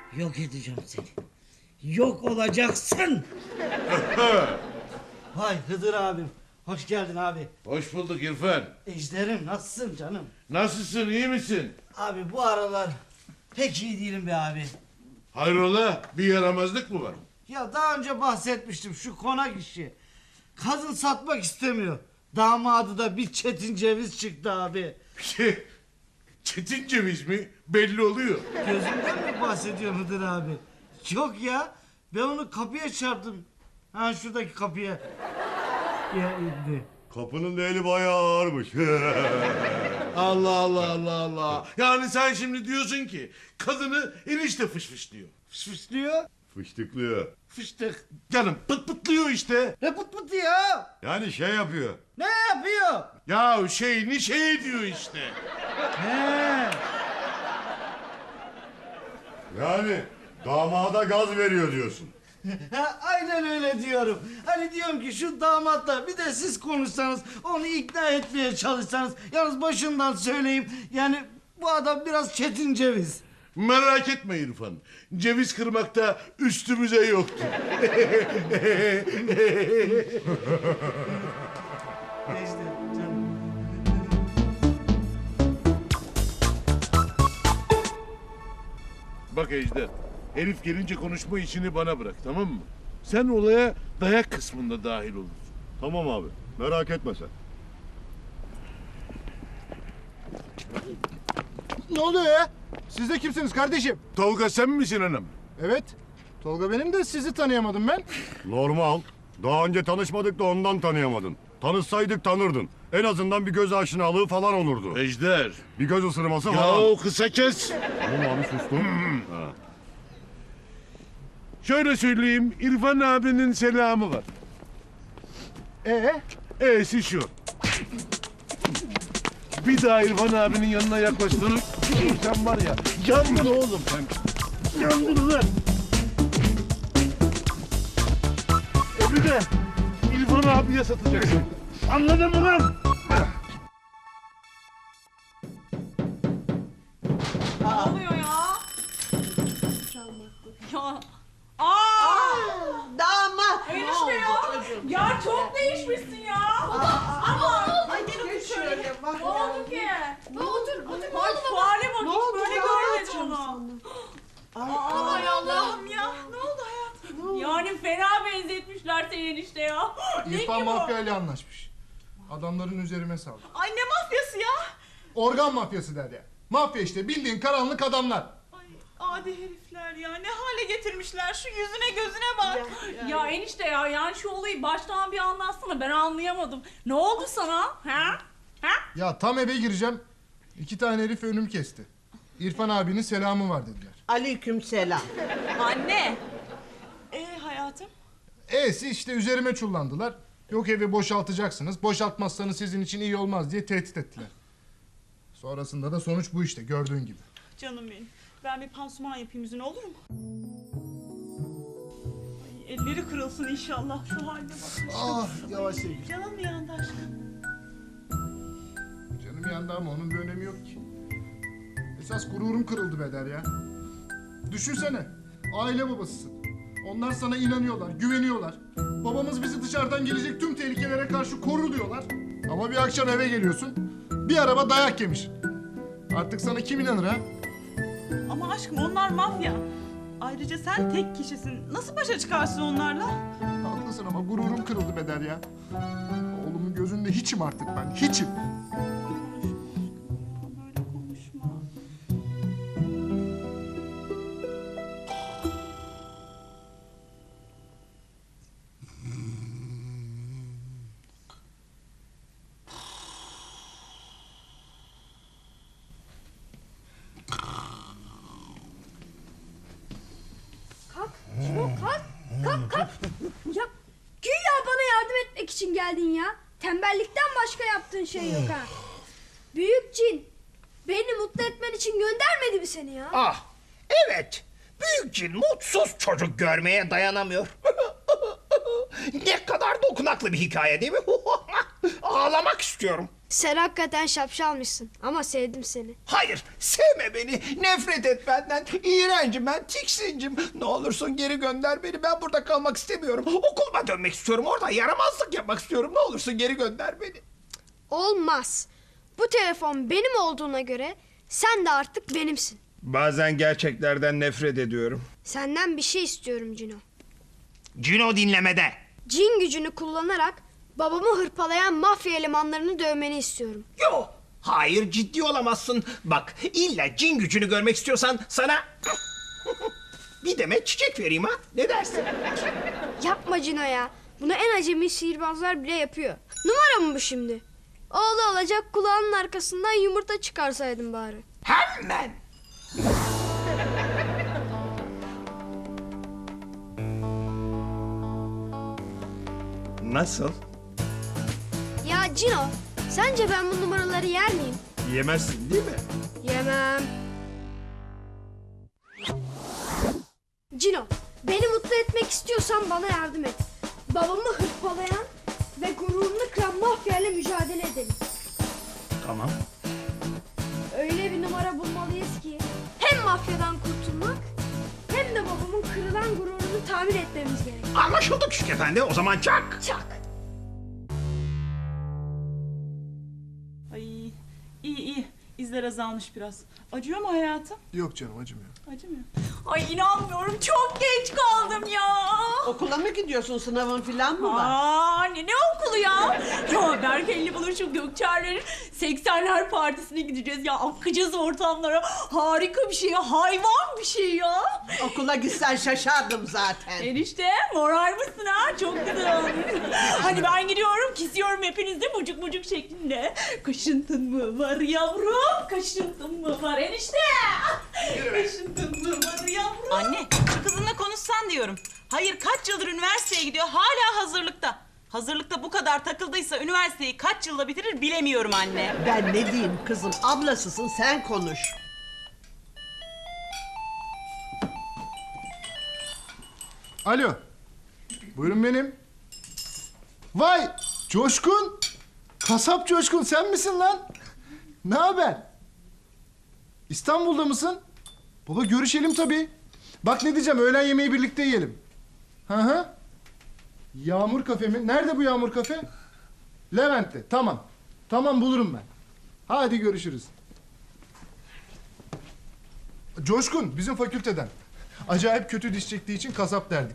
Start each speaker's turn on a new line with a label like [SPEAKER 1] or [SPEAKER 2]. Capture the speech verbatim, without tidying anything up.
[SPEAKER 1] Yok edeceğim seni. Yok olacaksın. Vay Hıdır abim. Hoş geldin abi.
[SPEAKER 2] Hoş bulduk İrfan.
[SPEAKER 1] Ejderim nasılsın canım?
[SPEAKER 2] Nasılsın, iyi misin?
[SPEAKER 1] Abi bu aralar pek iyi değilim be abi.
[SPEAKER 2] Hayrola, bir yaramazlık mı var?
[SPEAKER 1] Ya daha önce bahsetmiştim şu konak işi. Kadın satmak istemiyor. Damadı da bir çetin ceviz çıktı abi.
[SPEAKER 2] Şey, çetin ceviz mi? Belli oluyor.
[SPEAKER 1] Gözünden mi bahsediyorsun Hıdır abi? Yok ya. Ben onu kapıya çarptım. Ha şuradaki kapıya. Ya indi.
[SPEAKER 3] Kapının da eli bayağı ağırmış.
[SPEAKER 2] Allah Allah Allah Allah. Yani sen şimdi diyorsun ki kadını enişte fışfışlıyor.
[SPEAKER 1] Fışfışlıyor.
[SPEAKER 3] Fıştıklıyor.
[SPEAKER 2] Fıştık. Canım pıt pıtlıyor işte.
[SPEAKER 1] Ne pıt pıtı ya?
[SPEAKER 3] Yani şey yapıyor.
[SPEAKER 1] Ne yapıyor?
[SPEAKER 2] Ya şeyini şey diyor işte.
[SPEAKER 1] He.
[SPEAKER 3] Yani damada gaz veriyor diyorsun.
[SPEAKER 1] Ha, aynen öyle diyorum. Hani diyorum ki şu damatla bir de siz konuşsanız, onu ikna etmeye çalışsanız. Yalnız başından söyleyeyim, yani bu adam biraz çetin ceviz.
[SPEAKER 2] Merak etme İrfan. Ceviz kırmakta üstümüze yoktu.
[SPEAKER 1] İşte canım.
[SPEAKER 2] Bak Ejder, herif gelince konuşma işini bana bırak, tamam mı? Sen olaya dayak kısmında dahil olursun.
[SPEAKER 3] Tamam abi. Merak etme sen.
[SPEAKER 4] Ne oluyor ya? Siz de kimsiniz kardeşim?
[SPEAKER 2] Tolga sen misin hanım?
[SPEAKER 4] Evet. Tolga benim de sizi tanıyamadım ben.
[SPEAKER 3] Normal. Daha önce tanışmadık da ondan tanıyamadın. Tanışsaydık tanırdın. En azından bir göz aşinalığı falan olurdu.
[SPEAKER 2] Ejder.
[SPEAKER 3] Bir göz ısırması
[SPEAKER 2] Ya
[SPEAKER 3] falan.
[SPEAKER 2] o kısa kes.
[SPEAKER 3] Tamam abi sustum. Ha.
[SPEAKER 2] Şöyle söyleyeyim, İrfan abinin selamı var.
[SPEAKER 4] Ee?
[SPEAKER 2] E'si şu. Bir daha İrfan abinin yanına yaklaştığını sen var ya, yandın oğlum sen. Yandın lan. Evi de İrfan abiye satacaksın. Anladın mı lan?
[SPEAKER 5] Ne oluyor ya? Ya. Aa!
[SPEAKER 6] Damat.
[SPEAKER 5] Enişte ya. Ya çok değişmişsin ya. Ama.
[SPEAKER 6] Ay gel şöyle bak.
[SPEAKER 5] Ne oldu ki?
[SPEAKER 6] Ne otur otur.
[SPEAKER 5] Ay şu hale bak,
[SPEAKER 6] Ne
[SPEAKER 5] hiç
[SPEAKER 6] oldu
[SPEAKER 5] böyle
[SPEAKER 6] ya?
[SPEAKER 5] görmedim onu.
[SPEAKER 6] Ay,
[SPEAKER 5] Ay Allah'ım ya. Ne oldu hayatım? Yani fena benzetmişler seni enişte ya. Ne ki
[SPEAKER 4] İrfan
[SPEAKER 5] bu?
[SPEAKER 4] mafya ile anlaşmış. Adamların üzerime saldı.
[SPEAKER 5] Ay ne mafyası ya?
[SPEAKER 4] Organ mafyası der ya. Mafya işte bildiğin karanlık adamlar.
[SPEAKER 5] Ay adi herifler ya, ne hale getirmişler, şu yüzüne gözüne bak. Ya, enişte ya, yani şu olayı baştan bir anlatsana, ben anlayamadım. Ne oldu sana? Ha? Ha?
[SPEAKER 4] Ya tam eve gireceğim. İki tane herif önümü kesti. İrfan abinin selamı var dediler.
[SPEAKER 6] Aleyküm selam.
[SPEAKER 5] Anne. Ee hayatım?
[SPEAKER 4] E'si işte üzerime çullandılar. Yok evi boşaltacaksınız. Boşaltmazsanız sizin için iyi olmaz diye tehdit ettiler. Sonrasında da sonuç bu işte gördüğün gibi.
[SPEAKER 7] Canım benim. Ben bir pansuman yapayım yüzüne, olur mu? Ay, elleri kırılsın inşallah. Şu haline bak.
[SPEAKER 4] Ah yavaş sevgilim.
[SPEAKER 7] Canım bir yanda aşkım.
[SPEAKER 4] Canım yandı ama onun bir önemi yok ki. Esas gururum kırıldı Beder ya. Düşünsene, aile babasısın. Onlar sana inanıyorlar, güveniyorlar. Babamız bizi dışarıdan gelecek tüm tehlikelere karşı korur diyorlar. Ama bir akşam eve geliyorsun, bir araba dayak yemiş. Artık sana kim inanır ha?
[SPEAKER 7] Ama aşkım onlar mafya. Ayrıca sen tek kişisin. Nasıl başa çıkarsın onlarla?
[SPEAKER 4] Haklısın ama gururum kırıldı Beder ya. Oğlumun gözünde hiçim artık ben, hiçim.
[SPEAKER 7] Böyle konuşma.
[SPEAKER 8] Kalk, çabuk kalk. Kalk, kalk. Ya güya bana yardım etmek için geldin ya. Tembellikten başka yaptığın şey yok ha. Büyük cin, beni mutlu etmen için göndermedi mi seni ya?
[SPEAKER 9] Ah, evet. Büyük cin mutsuz çocuk görmeye dayanamıyor. Ne kadar dokunaklı bir hikaye değil mi? Ağlamak istiyorum.
[SPEAKER 8] Sen hakikaten şapşalmışsın ama sevdim seni.
[SPEAKER 9] Hayır, sevme beni, nefret et benden. İğrencim ben, tiksincim. Ne olursun geri gönder beni, ben burada kalmak istemiyorum. Okuluma dönmek istiyorum, orada yaramazlık yapmak istiyorum. Ne olursun geri gönder beni.
[SPEAKER 8] Olmaz. Bu telefon benim olduğuna göre sen de artık benimsin.
[SPEAKER 9] Bazen gerçeklerden nefret ediyorum.
[SPEAKER 8] Senden bir şey istiyorum Cino.
[SPEAKER 9] Cino dinlemede.
[SPEAKER 8] Cin gücünü kullanarak babamı hırpalayan mafya elemanlarını dövmeni istiyorum.
[SPEAKER 9] Yo, hayır ciddi olamazsın. Bak, illa cin gücünü görmek istiyorsan sana bir demet çiçek vereyim ha. Ne dersin?
[SPEAKER 8] Yapma Cino ya. Bunu en acemi sihirbazlar bile yapıyor. Numara mı bu şimdi? Oğlu olacak kulağının arkasından yumurta çıkarsaydın bari.
[SPEAKER 9] Hemen. Nasıl?
[SPEAKER 8] Ya Cino, sence ben bu numaraları yer miyim?
[SPEAKER 9] Yemezsin değil mi?
[SPEAKER 8] Yemem. Cino, beni mutlu etmek istiyorsan bana yardım et. Babamı hırpalayan ve gururunu kıran mafyayla mücadele edelim.
[SPEAKER 9] Tamam.
[SPEAKER 8] Öyle bir numara bulmalıyız ki hem mafyadan kurtulmak hem de babamın kırılan gururunu tamir etmemiz gerek.
[SPEAKER 9] Anlaşıldı küçük efendi, o zaman çak.
[SPEAKER 8] Çak.
[SPEAKER 7] Ay iyi iyi. İzler azalmış biraz. Acıyor mu hayatım?
[SPEAKER 4] Yok canım acımıyor.
[SPEAKER 7] Acımıyor. Ay inanmıyorum çok geç kaldım ya.
[SPEAKER 6] Okula mı gidiyorsun? Sınavın filan mı var?
[SPEAKER 5] Aa ne ne okulu ya? Ya Berkel'le buluşup Gökçer'lerin seksenler partisine gideceğiz ya. Akacağız ortamlara. Harika bir şey ya. Hayvan bir şey ya.
[SPEAKER 6] Okula gitsen şaşardım zaten.
[SPEAKER 5] Enişte moral mısın ha? Çok güzel olmuş. Hani ben gidiyorum kesiyorum hepinizi mucuk mucuk şeklinde. Kaşıntın mı var yavrum? Kaşıntın mı var enişte? Kaşıntın mı var yavrum?
[SPEAKER 7] Anne şu kızınla konuşsan diyorum. Hayır kaç yıldır üniversiteye gidiyor hala hazırlıkta. Hazırlıkta bu kadar takıldıysa üniversiteyi kaç yılda bitirir bilemiyorum anne.
[SPEAKER 6] Ben ne diyeyim kızım? Ablasısın, sen konuş.
[SPEAKER 4] Alo. Buyurun benim. Vay! Coşkun! Kasap Coşkun sen misin lan? Ne haber? İstanbul'da mısın? Baba görüşelim tabii. Bak ne diyeceğim, öğlen yemeği birlikte yiyelim. Hı hı. Yağmur kafe mi? Nerede bu Yağmur kafe? Levent'te. Tamam. Tamam bulurum ben. Hadi görüşürüz. Coşkun bizim fakülteden. Acayip kötü diş çektiği için kasap derdik.